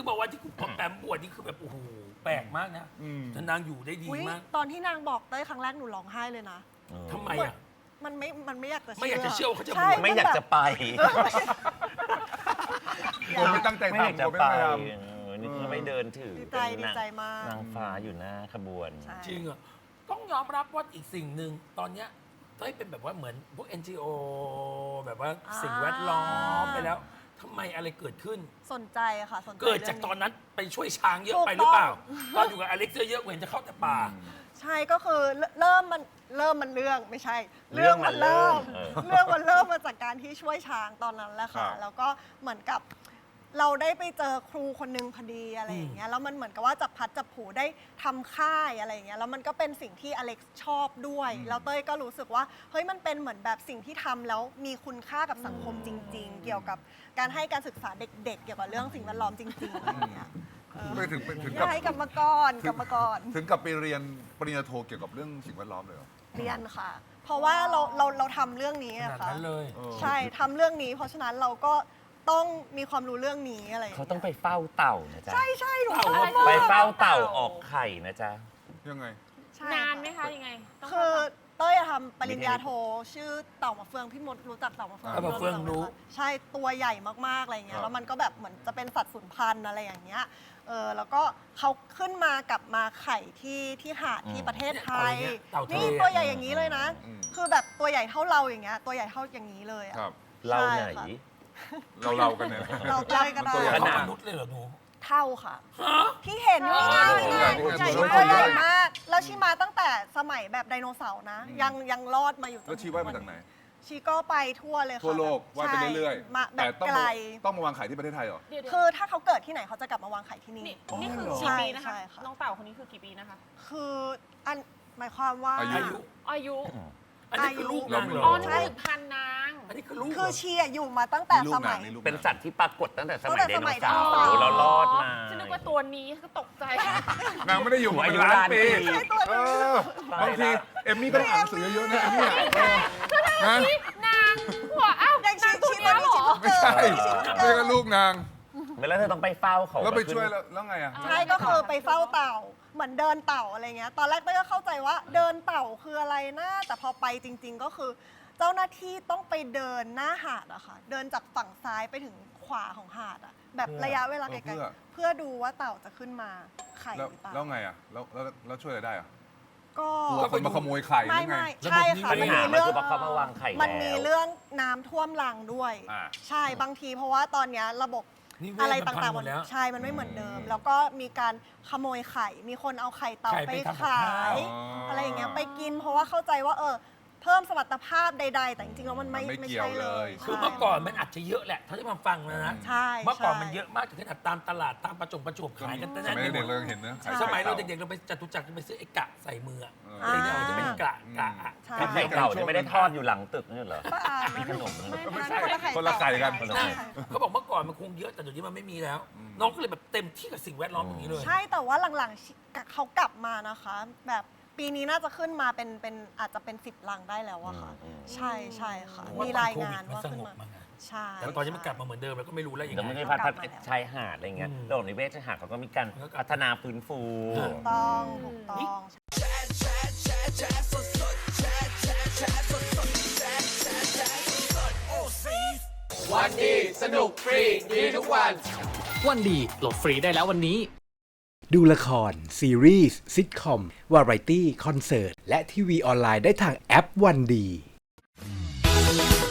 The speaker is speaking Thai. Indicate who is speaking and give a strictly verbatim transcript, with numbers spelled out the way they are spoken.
Speaker 1: งบอกว่าที่คุณปอมแปมบวชนี่คือแบบโอ้โหแปลกมากนะแต่นางอยู่ได้ดี
Speaker 2: อุ๊ย
Speaker 1: มาก
Speaker 2: ตอนที่นางบอกเต้ยครั้งแรกหนูร้องไห้เลยนะ
Speaker 1: ทำไมอ่ะ
Speaker 2: มันไม่ มันไม่อยากจะเชื่อ
Speaker 1: ไม่อยากจะเชื่อว่าเขาจะบวช
Speaker 2: ใช่
Speaker 3: ไม่อยากจะไป
Speaker 4: ผมไม่ตั้งใจ
Speaker 3: ไม่อยาก
Speaker 4: ทำ
Speaker 3: จะ
Speaker 4: ผมไม่
Speaker 3: ไป
Speaker 4: ตั้งใจท
Speaker 3: เออนี่คือไม่เดินถือ
Speaker 2: ดีใจ
Speaker 3: เป็น
Speaker 2: ดี
Speaker 3: นาง
Speaker 2: ใจมาก
Speaker 3: นางฟ้าอยู่หน้าขบวน
Speaker 2: ใช่
Speaker 1: จริงอ่ะต้องยอมรับว่าอีกสิ่งหนึ่งตอนเนี้ยเต้ยเป็นแบบว่าเหมือนพวก เอ็น จี โอ แบบว่าสิ่งแวดล้อมไปแล้วทำไมอะไรเกิดขึ้น
Speaker 2: สนใจอะค่ะ สนใจ
Speaker 1: เกิดจากตอนนั้นไปช่วยช้างเยอะไปหรือเปล่า ตอนอยู่กับอเล็กซ์เยอะๆเห็นจะเข้าแต่ป่า
Speaker 2: ใช่ก็คือเริ่มมันเริ่มมันเรื่องไม่ใช่
Speaker 3: เรื่องมันเริ่ม
Speaker 2: เรื่องมันเริ่มมาจากการที่ช่วยช้างตอนนั้นแหละค่ะ แล้วก็เหมือนกับเราได้ไปเจอครูคนนึงพอดีอะไรอย่างเงี้ยแล้วมันเหมือนกับว่าจับพัดจับผูได้ทำค่ายอะไรอย่างเงี้ยแล้วมันก็เป็นสิ่งที่อเล็กซ์ชอบด้วยแล้วเต้ยก็รู้สึกว่าเฮ้ยมันเป็นเหมือนแบบสิ่งที่ทำแล้วมีคุณค่ากับสังคมจริง ๆ เกี่ยวกับการให้การศึกษาเด็ก ๆ เกี่ยวกับเรื่องสิ่งแวดล้อมจริงๆอะไรอย่างเงี้ย
Speaker 4: ำไปถึงไปถึง
Speaker 2: อ
Speaker 4: กับ
Speaker 2: ยากให้กลับมาก่อนกลับมาก่อน
Speaker 4: ถึงกับไปเรียนปริญญาโทเกี่ยวกับเรื่องสิ่งแวดล้อมเลยเหรอ
Speaker 2: เรียนค่ะ เพราะว่าเราเราเราทำเรื่องนี้
Speaker 1: ขนา
Speaker 2: อะ
Speaker 1: ด
Speaker 2: ค่ะ
Speaker 1: นั้นเลย
Speaker 4: เออ
Speaker 2: ใช่ทำเรื่องนี้ เพราะฉะนั้นเราก็ต้องมีความรู้เรื่องนี้อะไรอย่าง
Speaker 3: เขา
Speaker 2: เงี้ย
Speaker 3: ต้องไปเฝ้าเต่านะจ๊ะ
Speaker 2: ใช่ใช่หนู
Speaker 1: เต่า
Speaker 2: ชอบมาก
Speaker 3: ไปเฝ้าเต่าออกไข่นะจ๊ะ
Speaker 4: ยังไง
Speaker 2: ใช่
Speaker 5: นานไหมคะยังไงต้อง
Speaker 2: คือ
Speaker 5: เข้า
Speaker 2: เต้ยอะทำปริญญาโทชื่อเต่ามาเฟืองพี่มดรู้จักเต่ามาเฟือง
Speaker 4: เต่ามาเฟือง
Speaker 1: รู้
Speaker 2: ใช่ตัวใหญ่มากๆอะไรอย่างเงี้
Speaker 4: ครั
Speaker 2: ย
Speaker 4: บ
Speaker 2: แล้วมันก็แบบเหมือนจะเป็นสัตว์สูญพันธุ์อะไรอย่างเงี้ยเออแล้วก็เขาขึ้นมากลับมาไข่ที่ที่หาดที่ประเทศไทย
Speaker 1: เต่าทะเล
Speaker 2: นี่ตัวใหญ่อย่างนี้เลยนะ
Speaker 4: อืม
Speaker 2: คือแบบตัวใหญ่เท่าเราอย่างเงี้ยตัวใหญ่เท่าอย่างนี้เลยอะ
Speaker 4: ครับ
Speaker 3: เราไหน
Speaker 2: ใช่ค่ะ
Speaker 4: เราเรากันเนี่ย
Speaker 2: เราเต้ยก็ได้
Speaker 4: มันตัวใหญ่
Speaker 1: ข
Speaker 3: ข
Speaker 1: นา
Speaker 3: นา
Speaker 1: ด
Speaker 3: ด
Speaker 1: มนุษย์เลยเหรอหนู
Speaker 2: เท่าค่ะ
Speaker 1: ฮะ
Speaker 2: ที่เห็นนี่ไงนี่ไง
Speaker 4: ตัวใหญ่
Speaker 2: ตัว
Speaker 4: ตัวใหญ่
Speaker 2: ใหญ่มาก แล้วชีมาตั้งแต่สมัยแบบไดโนเสาร์นะ ยังยังรอดมาอยู่จน
Speaker 4: แล้วชีว่ายมาจากไหน
Speaker 2: ชีก็ไปทั่วเลยค่ะ
Speaker 4: ทั่วโลกว่ายไปเรื่อย
Speaker 2: ใช่มาแบ
Speaker 4: แต่
Speaker 2: บ
Speaker 4: ต้อง
Speaker 2: ไกล
Speaker 4: มาต้องมาวางไข่ที่ประเทศไทยเหรอ
Speaker 5: เดี๋ยวๆ
Speaker 2: คือถ้าเขาเกิดที่ไหนเขาจะกลับมาวางไข่ที่นี่
Speaker 5: นี่นี่คือ
Speaker 4: อ๋อ
Speaker 5: กี่ปีนะคะ
Speaker 2: ใช่ค่ะ
Speaker 5: น้องเต่าคนนี้คือกี่ปีนะคะ
Speaker 2: คืออันหมายความว่า
Speaker 4: อายุ
Speaker 1: อายุ
Speaker 5: อายุ
Speaker 1: อันนี้คือลูกนางเหร
Speaker 5: อ๋อ
Speaker 1: อ
Speaker 5: นี่คือพันนาง
Speaker 1: อันนี้คือลูกเหร
Speaker 2: คือชีอะอยู่มาตั้งแต่
Speaker 4: นี่ลู
Speaker 2: ส
Speaker 4: ก
Speaker 2: มั
Speaker 4: นาง
Speaker 2: ย
Speaker 4: นี่ลูก
Speaker 3: เป็นสัตว์ที่ปรากฏตั้งแต่สมัย
Speaker 2: ตั้ง
Speaker 3: ได
Speaker 2: แต่ส
Speaker 3: โน
Speaker 2: มัย
Speaker 3: เสาร์
Speaker 2: ไดโนเสาร์
Speaker 3: แล้วรอดมา
Speaker 5: ฉันนึกว่าตัวนี้ก็ตกใจ
Speaker 4: นางไม่ได้อยู่มา
Speaker 3: อา
Speaker 4: เป็น
Speaker 3: ยุ
Speaker 4: ล้าน
Speaker 3: ล้าน
Speaker 4: ปี
Speaker 3: ปี
Speaker 4: เออบางทีเอมมี่ก็ต้องอ่านหนังสือเยอะๆนะเอมมี่อะเออนะ
Speaker 5: นางหัวอ้าว
Speaker 2: อย่างชี
Speaker 5: นางตัว
Speaker 2: ชีต
Speaker 5: เนี้
Speaker 2: อน
Speaker 5: ย
Speaker 2: นี้
Speaker 5: เหร
Speaker 2: ชี
Speaker 5: อ
Speaker 2: เพิ่ง
Speaker 4: ไม่
Speaker 2: เกิด
Speaker 4: ใช่
Speaker 2: ชีเพิ่ง
Speaker 4: ไม่
Speaker 2: เกิ
Speaker 4: ก็
Speaker 2: ด
Speaker 4: ลูกนาง
Speaker 3: แล้วเธอต้องไปเฝ้าเขา
Speaker 4: แล้วไป
Speaker 3: ขึ้น
Speaker 4: ช่วยแล้วแล้วไงอ่ะ
Speaker 2: ใช่ก็คือไปเฝ้าเต่าเหมือนเดินเต่าอะไรเงี้ย ตอนแรกเต้ยก็เข้าใจว่าเดินเต่าคืออะไรนะแต่พอไปจริง ๆ ก็คือ เจ้าหน้าที่ต้องไปเดินหน้าหาดอะค่ะ เดินจากฝั่งซ้ายไปถึงขวาของหาดอะแบบระยะเวลาไกล
Speaker 4: เพื่อ
Speaker 2: ๆเพื่อดูว่าเต่าจะขึ้นมาไข่
Speaker 4: แล้ว
Speaker 2: หรือเปล่า
Speaker 4: แล้วไงอ่ะแล้วแล้วแล้วช่วยอะไรได้อ่ะ
Speaker 2: ก็
Speaker 4: กลัวคนมาขโมยไข่หรื
Speaker 2: ไม่
Speaker 4: อไง
Speaker 2: ไม่ใช่ค่ะ
Speaker 3: ปัญ
Speaker 2: มัน
Speaker 3: หา
Speaker 2: มี
Speaker 3: มัน
Speaker 2: เรื่อง
Speaker 3: คือว่าเขามาวางไข่
Speaker 2: มันมี
Speaker 3: แล้ว
Speaker 2: เรื่องน้ำท่วมรังด้วย
Speaker 4: อ่า
Speaker 2: ใช่บางทีเพราะว่าตอนเนี้ยระบบ
Speaker 1: นี่เวท
Speaker 2: อะไร
Speaker 1: มันพั
Speaker 2: ต่าง
Speaker 1: ห
Speaker 2: ๆ
Speaker 1: ม
Speaker 2: มั
Speaker 1: ด
Speaker 2: น
Speaker 1: แล้ว
Speaker 2: ใช่มันไม่เหมือนเดิม แล้วก็มีการขโมยไข่ มีคนเอาไข่เต่า
Speaker 1: ไข่
Speaker 2: ไป
Speaker 1: ไปทำกับ
Speaker 2: ขา
Speaker 1: ข้าว
Speaker 2: ย อะไรอย่างเงี้ยไปกิน เพราะว่าเข้าใจว่าเออเพิ่มสมรรถภาพใด ๆ แต่จริงๆแล้วมันไม่
Speaker 4: มันไม่
Speaker 2: ไม่
Speaker 4: เกี่ยว
Speaker 2: ใช่เล
Speaker 4: เลย ย
Speaker 2: ใช่
Speaker 1: คือเมื่อก่อนมันอาจจะเยอะแหละเท่าที่มาฟังนะนะ
Speaker 2: ใช่
Speaker 1: เมื่อก่อน
Speaker 2: ใช่
Speaker 1: มันเยอะมากถึงขนาดตามตลาดตามประจงประจวบขายกันแต่
Speaker 4: ส
Speaker 1: นั้น
Speaker 4: มัย
Speaker 1: ไปหม
Speaker 4: เด็ก
Speaker 1: ด
Speaker 4: เรายังเห็นนะ
Speaker 2: ใช่
Speaker 1: สมัยเราเด็กๆเราไปจตุจักรเราไปซื้อไอ้กะใส่มืออะ
Speaker 4: เออ
Speaker 1: อะไรเนี่ยมันจะเป็นกะกะอะ
Speaker 2: ใช่
Speaker 3: คือไข่เต่าเนี่ยไม่ได้ทอดอยู่หลังตึกนี่เหรอ
Speaker 2: ก็อ่าน
Speaker 3: มีขนมนะ
Speaker 4: ไม่ใช่
Speaker 2: คนละไข่
Speaker 4: คนละไข่กัน
Speaker 2: เต่า
Speaker 3: คนละไข่
Speaker 2: ใช่
Speaker 1: เขาบอกเมื่อก่อนมันคงเยอะแต่เดี๋ยวนี้มันไม่มีแล้ว น้องก็เลยแบบเต็มที่กับสิ่งแวดล้อมอย่างนี้เลย
Speaker 2: ใช่แต่ว่าหลังๆเขากลับมานะคะ แบบปีนี้น่าจะขึ้นมาเป็นเป็นอาจจะเป็นสิบลังได้แล้วอะค่ะ
Speaker 3: อืม
Speaker 2: ใช่ใช่ค่ะ
Speaker 1: เพราะว่า
Speaker 2: มีรายงาน
Speaker 1: ตอนโควิดมัน
Speaker 2: ว่า
Speaker 1: ส
Speaker 2: ขึ้น
Speaker 1: งบ
Speaker 2: มา
Speaker 1: มาไง
Speaker 2: ใช่
Speaker 1: แต่ตอนนี้มันกลับมาเหมือนเดิมแล้วก็ไม่รู้แล้วยัง
Speaker 3: แล้ว
Speaker 1: ไง
Speaker 3: ไม่ได้พัฒ
Speaker 2: กลั
Speaker 3: นา
Speaker 2: บมาแล้ว
Speaker 3: ชายหาดอะไรเงี้ย
Speaker 1: อืม
Speaker 3: โลกนิเวศชายหาดเขาก็มีการ
Speaker 1: แล้วก็
Speaker 3: พัฒนาฟื้นฟู
Speaker 1: อ่า
Speaker 2: ถูกต้องถูกต้อง
Speaker 6: วันดีสนุกฟรีดีทุกวัน
Speaker 7: วันดีโหลดฟรีได้แล้ววันนี้
Speaker 8: ดูละคร ซีรีส์ซิทคอม วาไรตี้ คอนเสิร์ต และทีวีออนไลน์ได้ทางแอปวันดี